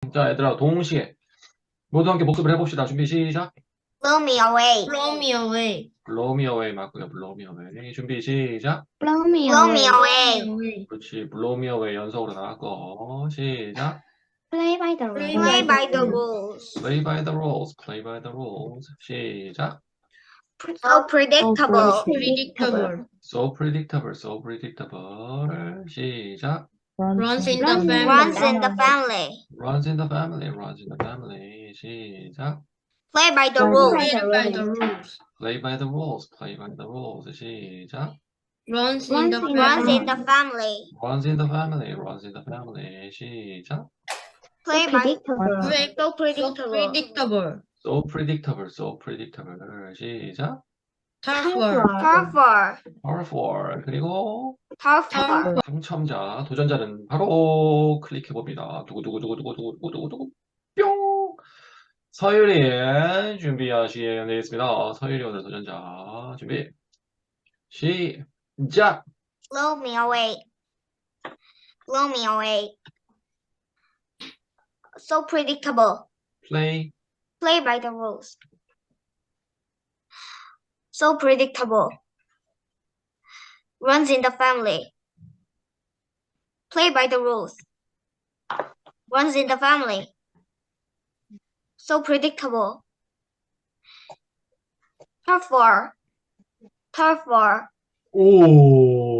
자, 얘들아, 동시에 모두 함께 복습을 해봅시다. 준비 시작. Blow me away. Blow me away. Blow me away 맞고요. Blow me away. 준비 시작. Blow me Blow me away. away. 그렇지. Blow me away 연속으로 나갔고 시작. Play by the Play rules. by the rules. Play by the rules. Play by the rules. 시작. So predictable. Predictable. So predictable. So predictable. 시작. Runs in the family. Runs in the family. Runs in the family. Runs in the family. 시작. Play by the rules. Play by the rules. Play by the rules. Play by the rules. 시작. Runs in the Runs in the family. family. Runs in the family. Runs in the family. 시작. Play by Play- so So predictable. predictable. So predictable. So predictable. 시작. Tough work. Tougher. Powerful. 그리고 Tougher. 당첨자, 도전자는 바로 클릭해 봅니다. 두구두구두구두구두구두구두구 뿅. 서유리 준비하시면 되겠습니다. 서유리 오늘 도전자 준비 시작. Blow me away. Blow me away. So predictable. Play Play by the rules. So predictable. Runs in the family. Play by the rules. Runs in the family. So predictable. Tougher. Tougher. 오